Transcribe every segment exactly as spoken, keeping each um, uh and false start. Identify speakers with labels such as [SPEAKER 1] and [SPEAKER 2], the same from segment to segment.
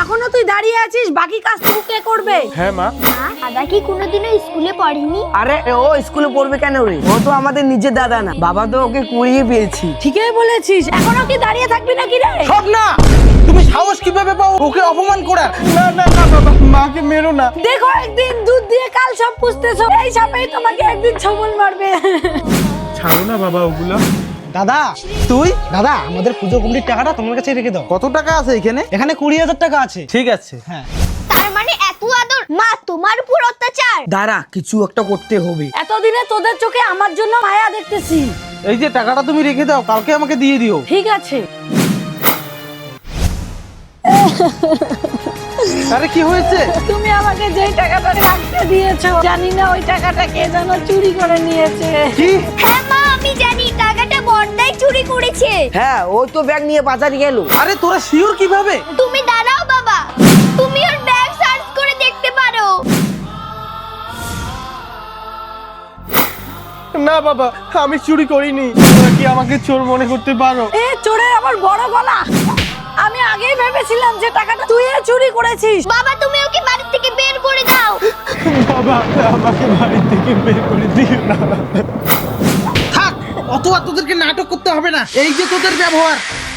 [SPEAKER 1] এখনো তুই দাঁড়িয়ে আছিস, বাকি কাজ তুই কে করবে?
[SPEAKER 2] হ্যাঁ মা।
[SPEAKER 3] দাদা কি কোনোদিনও স্কুলে পড়েনি?
[SPEAKER 4] আরে ও স্কুলে পড়বে কেন রে? ও তো আমাদের নিজের দাদা না, বাবা তো ওকে কুড়িয়ে পেয়েছি।
[SPEAKER 1] ঠিকই বলেছিস, এখনো কি দাঁড়িয়ে থাকবি নাকি রে?
[SPEAKER 2] সব না, তুমি সাহস কিভাবে পাও ওকে অপমান করার? না না না বাবা, মাকে মেরো না।
[SPEAKER 1] দেখো একদিন দুধ দিয়ে কাল সব পুষতেছো, এই সাপেই তোমাকে একদিন ছবল মারবে।
[SPEAKER 2] ছাড়ো না বাবা ওগুলা।
[SPEAKER 5] দাদা
[SPEAKER 2] তুই
[SPEAKER 5] দাদা আমাদের পুজো কমিটির টাকাটা তোমার কাছে রেখে দাও।
[SPEAKER 2] কত টাকা আছে এখানে?
[SPEAKER 5] এখানে কুড়ি হাজার টাকা আছে।
[SPEAKER 2] ঠিক আছে।
[SPEAKER 5] হ্যাঁ
[SPEAKER 3] তার মানে এত আদর মা তোমার উপর অত্যাচার?
[SPEAKER 4] দাঁড়া, কিছু একটা করতে হবে।
[SPEAKER 1] এতদিনে তোদের চোখে আমার জন্য মায়া দেখতেছি।
[SPEAKER 2] এই যে টাকাটা তুমি রেখে দাও, কালকে আমাকে দিয়ে দিও।
[SPEAKER 1] ঠিক আছে।
[SPEAKER 2] আরে কি হয়েছে?
[SPEAKER 1] তুমি আমাকে যেই টাকাটা রাখতে দিয়েছো, জানি না ওই টাকাটা কে যেন চুরি করে নিয়েছে।
[SPEAKER 2] কি?
[SPEAKER 3] হ্যাঁ মা আমি জানি, টাকাটা বড়দাই চুরি করেছে।
[SPEAKER 4] হ্যাঁ, ওই তো ব্যাগ নিয়ে বাজারে গেল।
[SPEAKER 2] আরে তোরা শিওর কিভাবে?
[SPEAKER 3] তুমি দাঁড়াও বাবা, তুমি ওর ব্যাগ সার্চ করে দেখতে পারো।
[SPEAKER 2] না বাবা, আমি চুরি করিনি। তোমরা কি আমাকে চোর মনে করতে পারো?
[SPEAKER 1] এ চোরের আবার বড় গলা। আমি আগেই ভেবেছিলাম যে টাকাটা তুই চুরি করেছিস।
[SPEAKER 3] বাবা তুমি ওকে বাড়ি থেকে বের করে দাও।
[SPEAKER 2] বাবা আমাকে বাড়ি থেকে বের করে দিও না। থাক, অত আর তোদেরকে নাটক করতে হবে না। এই যে তোদের ব্যবহার।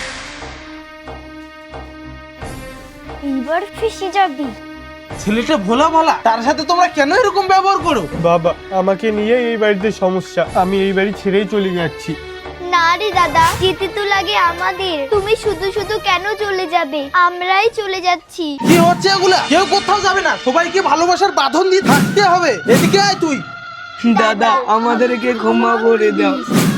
[SPEAKER 3] এইবার ফেসে যাবি।
[SPEAKER 2] ছেলেটা ভোলা ভালা, তার সাথে তোমরা কেন এরকম ব্যবহার করো? বাবা আমাকে নিয়ে এই বাড়িতে সমস্যা, আমি এই বাড়ি ছেড়েই চলে যাচ্ছি।
[SPEAKER 3] না রে দাদা, যেতে তো লাগে আমাদের। তুমি শুধু শুধু কেন চলে যাবে? আমরাই চলে যাচ্ছি।
[SPEAKER 2] কি হচ্ছে এগুলা? কেউ কোথাও যাবে না, সবাইকে ভালোবাসার বাঁধন দিয়ে থাকতে হবে। এদিকে আয় তুই।
[SPEAKER 4] দাদা আমাদেরকে ক্ষমা করে দাও।